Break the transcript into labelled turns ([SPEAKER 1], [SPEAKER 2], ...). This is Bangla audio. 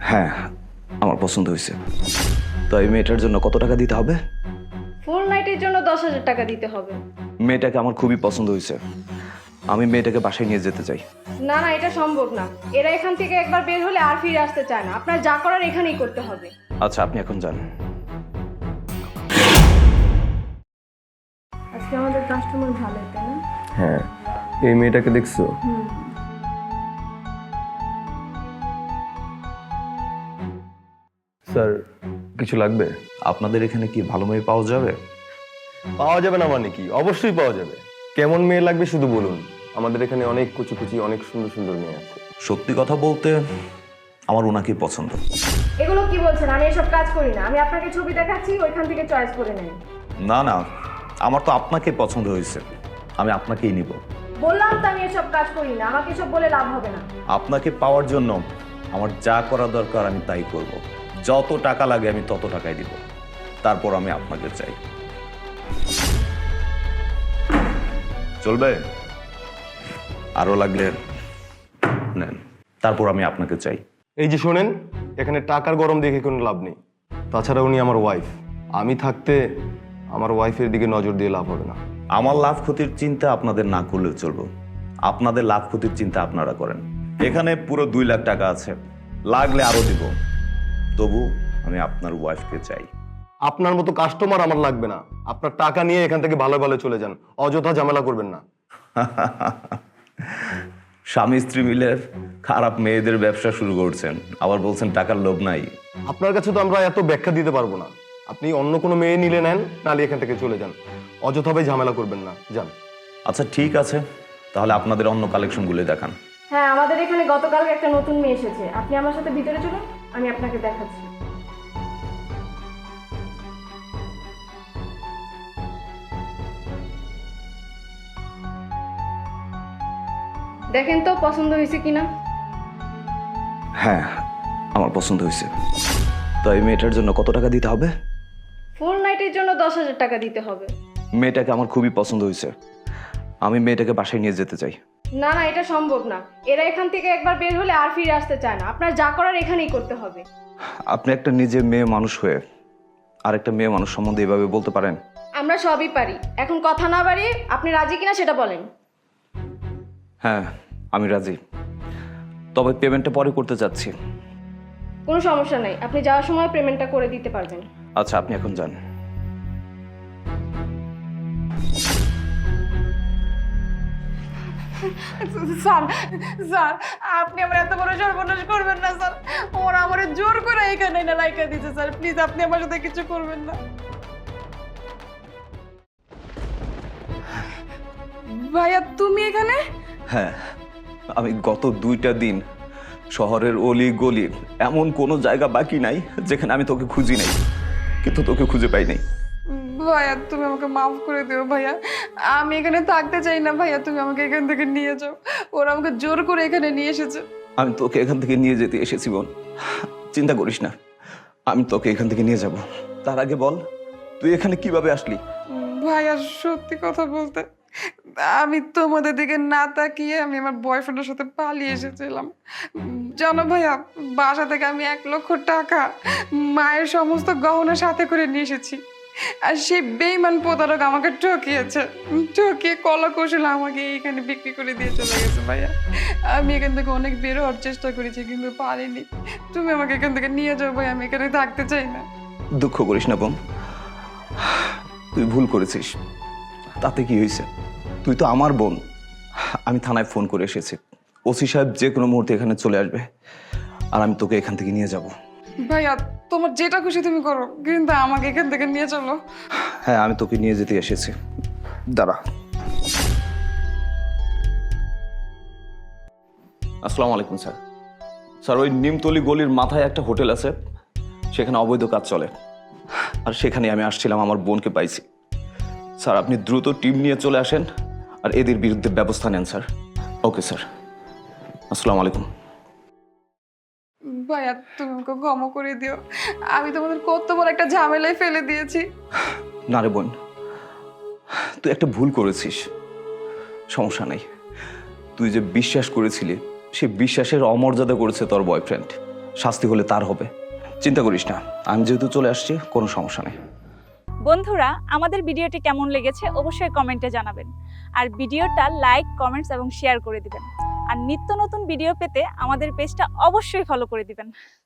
[SPEAKER 1] হ্যাঁ, আমার পছন্দ হয়েছে। তো এই মেয়েটার জন্য কত টাকা দিতে হবে?
[SPEAKER 2] ফুল নাইটের জন্য 10,000 টাকা দিতে হবে।
[SPEAKER 1] মেয়েটাকে আমার খুবই পছন্দ হয়েছে। আমি মেয়েটাকে বাসায় নিয়ে যেতে চাই।
[SPEAKER 2] না না, এটা সম্ভব না। এরা এখান থেকে একবার বের হলে আর ফিরে আসতে চায় না। আপনার যা করার এখানেই করতে হবে।
[SPEAKER 1] আচ্ছা, আপনি এখন যান।
[SPEAKER 2] আজকে আমাদের কাস্টমার ভালো, তাই না?
[SPEAKER 3] হ্যাঁ, এই মেয়েটাকে দেখছো? স্যার, কিছু লাগবে?
[SPEAKER 1] আপনাদের এখানে কি ভালো মেয়ে পাওয়া যাবে?
[SPEAKER 3] পাওয়া যাবে না মানে কি? অবশ্যই পাওয়া যাবে। কেমন মেয়ে লাগবে শুধু বলুন। আমাদের এখানে অনেক কুচি কুচি অনেক সুন্দর সুন্দর মেয়ে আছে।
[SPEAKER 1] সত্যি কথা বলতে আমার ওনাকেই পছন্দ।
[SPEAKER 2] এগুলো কি বলছেন? আমি এসব কাজ করি না। আমি আপনাকে ছবি দেখাচ্ছি, ওইখান থেকে চয়েস করে নেন।
[SPEAKER 1] না না, আমার তো আপনাকে পছন্দ হয়েছে, আমি আপনাকেই নিব।
[SPEAKER 2] বললাম তো আমি এসব কাজ করি না। আমাকে এসব বলে লাভ হবে না।
[SPEAKER 1] আপনাকে পাওয়ার জন্য আমার যা করা দরকার আমি তাই করব। যত টাকা লাগে আমি তত টাকাই দিব। তারপর আমি আপনাকে চাই। চলবে? আরো লাগলে নেন। তারপর আমি আপনাকে চাই।
[SPEAKER 3] এই যে শোনেন, এখানে টাকার গরম দেখে কোনো লাভ নেই। তাছাড়া উনি আমার ওয়াইফ। আমি থাকতে আমার ওয়াইফের দিকে নজর দিয়ে লাভ হবে না।
[SPEAKER 1] আমার লাভ ক্ষতির চিন্তা আপনাদের না করলেও চলবে। আপনাদের লাভ ক্ষতির চিন্তা আপনারা করেন। এখানে পুরো 2 লাখ টাকা আছে, লাগলে আরো দিব। তবু আমি আপনার ওয়াইফকে চাই।
[SPEAKER 3] আপনার মতো কাস্টমার আমার লাগবে না। আপনার টাকা নিয়ে এখান থেকে ভালো ভালো চলে যান, অযথা ঝামেলা করবেন না।
[SPEAKER 1] স্বামী স্ত্রী মিলে খারাপ মেয়েদের ব্যবসা শুরু করছেন, আবার বলছেন টাকার লোভ নাই।
[SPEAKER 3] আপনার কাছে তো আমরা এত ব্যাখ্যা দিতে পারবো না। আপনি অন্য কোনো মেয়ে নিলে নেন, নালে এখান থেকে চলে যান। অযথাভাবে ঝামেলা করবেন না, যান।
[SPEAKER 1] আচ্ছা ঠিক আছে, তাহলে আপনাদের অন্য কালেকশনগুলো দেখান।
[SPEAKER 2] হ্যাঁ, আমাদের এখানে গতকালকে একটা নতুন মেয়ে এসেছে। আপনি আমার সাথে ভিতরে চলুন, আমি আপনাকে দেখাচ্ছি। দেখেন তো পছন্দ হয়েছে কিনা।
[SPEAKER 1] হ্যাঁ, আমার পছন্দ হয়েছে। তো এই মেয়েটার জন্য কত টাকা দিতে হবে?
[SPEAKER 2] ফুল নাইটের জন্য 10,000 টাকা দিতে হবে।
[SPEAKER 1] মেয়েটাকে আমার খুবই পছন্দ হয়েছে। আমি মেয়েটাকে বাসায় নিয়ে যেতে চাই।
[SPEAKER 2] না না, এটা সম্ভব না। এরা এখান থেকে একবার বের হলে আর ফিরে আসতে চায় না। আপনার যা করার এখানেই করতে হবে।
[SPEAKER 1] আপনি একটা নিজে মেয়ে মানুষ হয়ে আর একটা মেয়ে মানুষ সম্বন্ধে এভাবে বলতে পারেন?
[SPEAKER 2] আমরা সবই পারি। এখন কথা না বাড়িয়ে আপনি রাজি কিনা সেটা বলেন।
[SPEAKER 1] হ্যাঁ, আমি রাজি। তবে পেমেন্টটা পরে করতে চাচ্ছি।
[SPEAKER 2] কোনো সমস্যা নাই, আপনি যাওয়ার সময় পেমেন্টটা করে দিতে পারবেন।
[SPEAKER 1] আচ্ছা, আপনি এখন যান।
[SPEAKER 4] স্যার স্যার আপনি আমার এত বড় সর্বনাশ করবেন না স্যার। ওরা আমার জোর করে এখানে না রাইখা দিয়েছে স্যার। প্লিজ আপনি আমার সাথে কিছু করবেন না। ভাইয়া তুমি এখানে?
[SPEAKER 1] হ্যাঁ, আমি গত 2টা দিন শহরের অলি গলি এমন কোনো জায়গা বাকি নাই যেখানে আমি তোকে খুঁজি নাই, কিন্তু তোকে খুঁজে পাই নাই।
[SPEAKER 4] ভাইয়া তুমি আমাকে মাফ করে দিও ভাইয়া। আমি এখানে থাকতে চাই না ভাইয়া, তুমি আমাকে এখান থেকে নিয়ে যাও। ওরা আমাকে জোর করে এখানে নিয়ে এসেছে।
[SPEAKER 1] আমি তোকে এখান থেকে নিয়ে যেতে এসেছি বোন, চিন্তা করিস না, আমি তোকে এখান থেকে নিয়ে যাব। তার আগে বল, তুই এখানে কিভাবে আসলি?
[SPEAKER 4] ভাইয়া সত্যি কথা বলতে আমি তোমাদের দিকে না তাকিয়ে আমি আমার বয়ফ্রেন্ডের সাথে পালিয়ে এসেছিলাম। জানো ভাইয়া, বাসা থেকে আমি 1,00,000 টাকা মায়ের সমস্ত গহনা সাথে করে নিয়ে এসেছি। আর সেই বেইমান প্রতারক আমাকে ঠকিয়েছে, ঠকিয়ে কলা কৌশল আমাকে এইখানে বিক্রি করে দিয়ে চলে গেছে ভাইয়া। আমি এখান থেকে অনেক বের হওয়ার চেষ্টা করেছি কিন্তু পারিনি। তুমি আমাকে এখান থেকে নিয়ে যাও ভাই, আমি এখানে থাকতে চাই না।
[SPEAKER 1] দুঃখ করিস না বোন, তুই ভুল করেছিস। তাতে কি হয়েছে? তুই তো আমার বোন। আমি থানায় ফোন করে এসেছি, ওসি সাহেব যে কোনো মুহূর্তে এখানে চলে আসবে, আর আমি তোকে এখান থেকে নিয়ে যাব।
[SPEAKER 4] ভাইয়া তোমার যেটা খুশি তুমি করো, কিন্তু আমাকে এখান থেকে নিয়ে চলো।
[SPEAKER 1] হ্যাঁ, আমি তোকে নিয়ে যেতে এসেছি, দাঁড়া। আসসালামু আলাইকুম স্যার। স্যার, ওই নিমতলি গলির মাথায় একটা হোটেল আছে, সেখানে অবৈধ কাজ চলে, আর সেখানে আমি আসছিলাম, আমার বোনকে পাইছি। স্যার, আপনি দ্রুত টিম নিয়ে চলে আসেন আর এদের বিরুদ্ধে ব্যবস্থা নেন স্যার। ওকে স্যার, আসসালামু আলাইকুম।
[SPEAKER 4] ভাইয়া তুমি আমাকে ক্ষমা করে দিও। আমি তোমাদের কত বড় একটা ঝামেলায় ফেলে দিয়েছি।
[SPEAKER 1] না রে বোন, তুই একটা ভুল করেছিস, সমস্যা নেই। তুই যে বিশ্বাস করেছিলি, সে বিশ্বাসের অমর্যাদা করেছে তোর বয়ফ্রেন্ড। শাস্তি হলে তার হবে। চিন্তা করিস না, আমি যেহেতু চলে আসছি কোনো সমস্যা নেই।
[SPEAKER 5] বন্ধুরা, আমাদের ভিডিওটি কেমন লেগেছে অবশ্যই কমেন্টে জানাবেন। আর ভিডিওটা লাইক, কমেন্টস এবং শেয়ার করে দিবেন। আর নিত্য নতুন ভিডিও পেতে আমাদের পেজটা অবশ্যই ফলো করে দিবেন।